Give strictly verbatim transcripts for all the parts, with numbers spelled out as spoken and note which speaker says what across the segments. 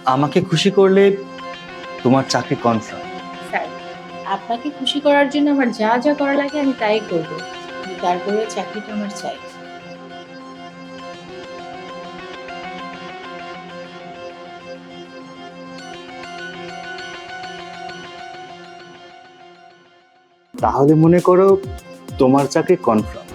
Speaker 1: আমাকে খুশি করলে তোমার চাকরি কনফার্ম।
Speaker 2: স্যার, আপনাকে খুশি করার জন্য আমার যা যা করা লাগে আমি তাই করব, তারপরে চাকরিটা আমার চাই।
Speaker 1: তাহলে মনে করো তোমার চাকরি কনফার্ম।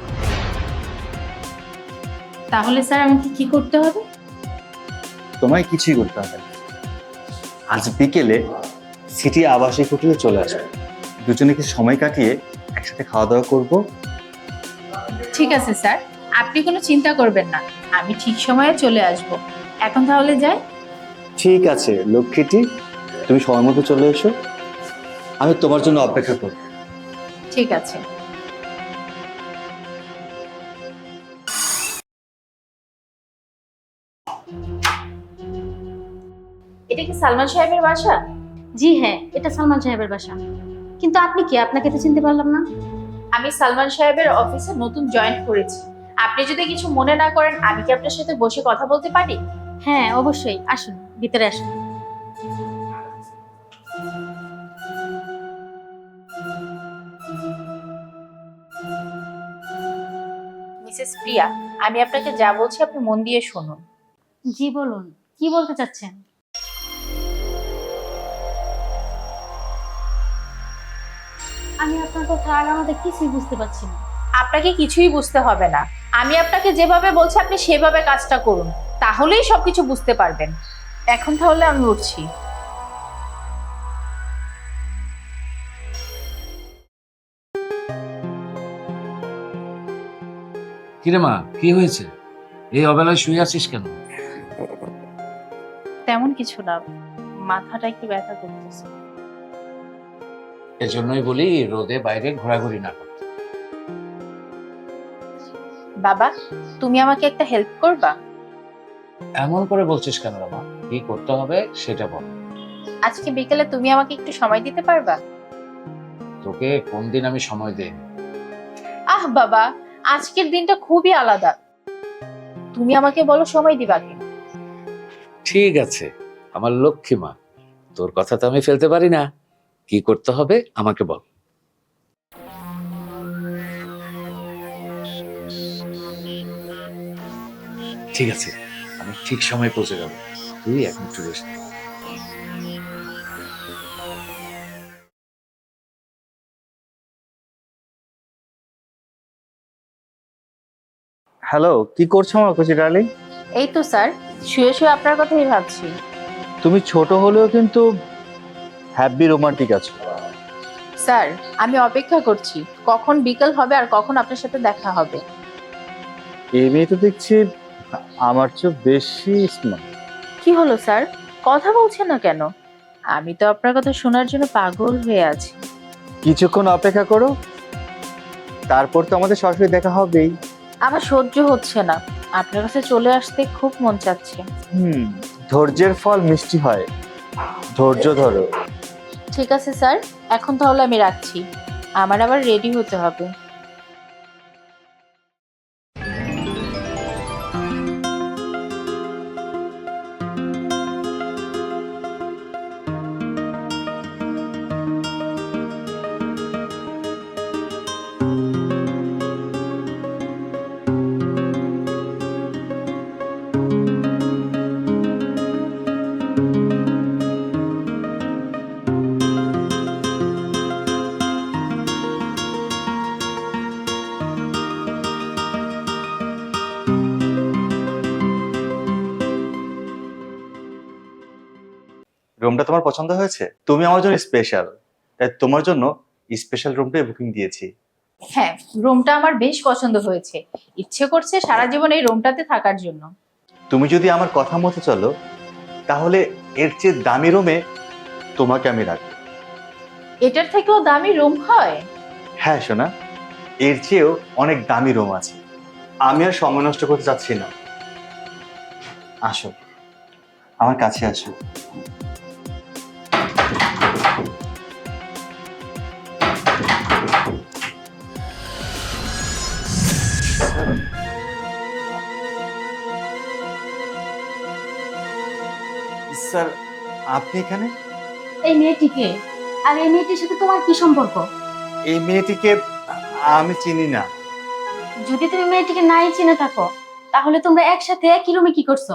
Speaker 2: তাহলে স্যার আমাকে কি করতে হবে?
Speaker 1: তোমায় কিছুই করতে হবে না। আজ বিকেলে সিটি আবাসিক হোটেলে চলে আসবে, দুজনে কিছু সময় কাটিয়ে একসাথে খাওয়া দাওয়া করবো।
Speaker 2: ঠিক আছে স্যার, আপনি কোনো চিন্তা করবেন না, আমি ঠিক সময়ে চলে আসব। এখন তাহলে যাই।
Speaker 1: ঠিক আছে লক্ষ্মীটি, তুমি সময় মতো চলে এসো, আমি তোমার জন্য অপেক্ষা করব।
Speaker 2: ঠিক আছে। এটা কি সালমান সাহেবের বাসা?
Speaker 3: জি হ্যাঁ, এটা সালমান সাহেবের বাসা। কিন্তু আপনি কি? আপনাকে তো চিনতে পারলাম না।
Speaker 2: আমি সালমান সাহেবের অফিসে নতুন জয়েন করেছি। আপনি যদি কিছু মনে না করেন, আমি কি আপনার সাথে বসে কথা বলতে পারি?
Speaker 3: হ্যাঁ অবশ্যই, আসুন ভিতরে আসুন।
Speaker 2: মিসেস প্রিয়া, আমি আপনাকে যা বলছি আপনি মন দিয়ে শুনুন।
Speaker 3: জি বলুন, কি বলতে চাচ্ছেন? আমি আপনার কথা আর আমাদের কিছুই বুঝতে পারছি না।
Speaker 2: আপনাকে কিছুই বুঝতে হবে না, আমি আপনাকে যেভাবে বলছি আপনি সেভাবে কাজটা করুন, তাহলেই সবকিছু বুঝতে পারবেন। এখন তাহলে আমি উঠছি।
Speaker 4: কিরে মা, কি হয়েছে? এই অবেলায় শুয়ে আছিস কেন?
Speaker 2: তেমন কিছু না, মাথাটা একটু ব্যথা করতেছে।
Speaker 4: এজন্যই বলি রোদে বাইরে ঘোরাঘুরি না করতে।
Speaker 2: বাবা, তুমি আমাকে একটা হেল্প করবা?
Speaker 4: এমন করে বলছিস কেন রে মা? কি করতে হবে সেটা বল।
Speaker 2: আজকে বিকেলে তুমি আমাকে একটু সময় দিতে পারবা?
Speaker 4: তোকে কোন দিন আমি সময় দেই?
Speaker 2: আহ বাবা, আজকের দিনটা খুবই আলাদা, তুমি আমাকে বলো সময় দিবা কি?
Speaker 4: ঠিক আছে আমার লক্ষ্মী মা, তোর কথা তো আমি ফেলতে পারি না। কি করতে হবে আমাকে বল। ঠিক আছে, আমি ঠিক সময় পৌঁছে যাবো, তুই এখন একটু রেস্ট নে।
Speaker 1: হ্যালো, কি করছো আমার কচি ডার্লিং?
Speaker 2: এই তো স্যার, শুয়ে শুয়ে আপনার কথাই ভাবছি।
Speaker 1: তুমি ছোট হলেও কিন্তু হ্যাপি রোমান্টিক আছো।
Speaker 2: স্যার, আমি অপেক্ষা করছি কখন বিকেল হবে আর কখন আপনার সাথে দেখা হবে।
Speaker 1: এই মেয়ে তো দেখছি আমার চেয়ে বেশি স্মার্ট।
Speaker 2: কি হলো স্যার, কথা বলছেন না কেন? আমি তো আপনার কথা শোনার জন্য পাগল হয়ে আছি।
Speaker 1: কিছুক্ষণ অপেক্ষা করো, তারপর তো আমাদের সরাসরি দেখা হবেই।
Speaker 2: আমার সহ্য হচ্ছে না, আপনার কাছে চলে আসতে খুব মন চাচ্ছে।
Speaker 1: হুম, ধৈর্যের ফল মিষ্টি হয়, ধৈর্য ধরো।
Speaker 2: ঠিক আছে স্যার, এখন তাহলে আমি রাখছি, আমার আবার রেডি হতে হবে।
Speaker 1: রুমটা তোমার পছন্দ হয়েছে? তুমি আমার জন্য স্পেশাল, তাই তোমার জন্য স্পেশাল রুমটাই বুকিং দিয়েছি।
Speaker 2: হ্যাঁ, রুমটা আমার বেশ পছন্দ হয়েছে, ইচ্ছে করছে সারা জীবন এই রুমটাতে থাকার জন্য।
Speaker 1: তুমি যদি আমার কথা মতো চলো, তাহলে এর চেয়ে দামি রুমে তোমাকে আমি রাখবো।
Speaker 2: এটার থেকেও দামি রুম হয়?
Speaker 1: হ্যাঁ সোনা, এর চেয়েও অনেক দামি রুম আছে। আমি আর সময় নষ্ট করতে চাচ্ছি না, আসো আমার কাছে আসো। স্যার আপনি এখানে?
Speaker 3: এই মেয়েটিকে, আর এই মেয়েটির সাথে তোমার কি সম্পর্ক?
Speaker 1: এই মেয়েটিকে আমি চিনি না।
Speaker 3: যদি তুমি মেয়েটিকে নাই চিনে থাকো, তাহলে তোমরা একসাথে একই রুমে কি করছো?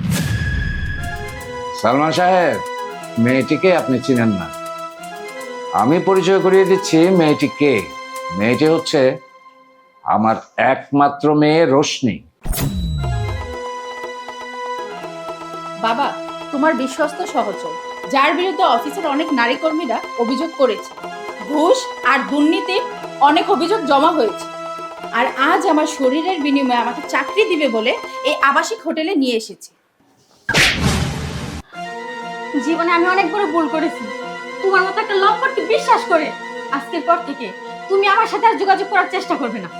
Speaker 4: সালমান সাহেব, মেয়েটিকে আপনি চিনেন না। আমি পরিচয় করিয়ে দিচ্ছি মেয়েটি কে। মেয়েটি হচ্ছে আমার একমাত্র মেয়ে রোশনি।
Speaker 2: বাবা, তোমার বিশ্বস্ত সহচর, যার বিরুদ্ধে অফিসের অনেক নারী কর্মীরা অভিযোগ করেছে, ঘুষ আর দুর্নীতির অনেক অভিযোগ জমা হয়েছে, আর আজ আমার শরীরের বিনিময়ে আমাকে চাকরি দিবে বলে এই আবাসিক হোটেলে নিয়ে এসেছে।
Speaker 3: জীবনে আমি অনেক বড় ভুল করেছি। তোমার মতো একটা লম্পটকে বিশ্বাস করে আজকের পর থেকে তুমি আমার সাথে আর যোগাযোগ করার চেষ্টা করবে না।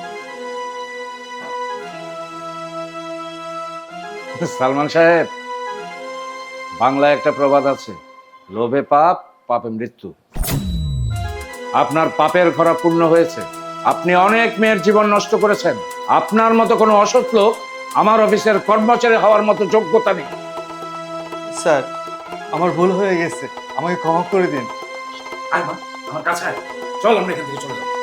Speaker 4: সালমান সাহেব, বাংলায় একটা প্রবাদ আছে, লোভে পাপ, পাপে মৃত্যু। আপনার পাপের খরা পূর্ণ হয়েছে। আপনি অনেক মেয়ের জীবন নষ্ট করেছেন। আপনার মতো কোনো অসৎ লোক আমার অফিসের কর্মচারী হওয়ার মতো যোগ্যতা নেই।
Speaker 1: স্যার আমার ভুল হয়ে গেছে, আমাকে ক্ষমা করে দিন।
Speaker 4: আমার কাছে চল, আমরা এখান থেকে চলে যাবো।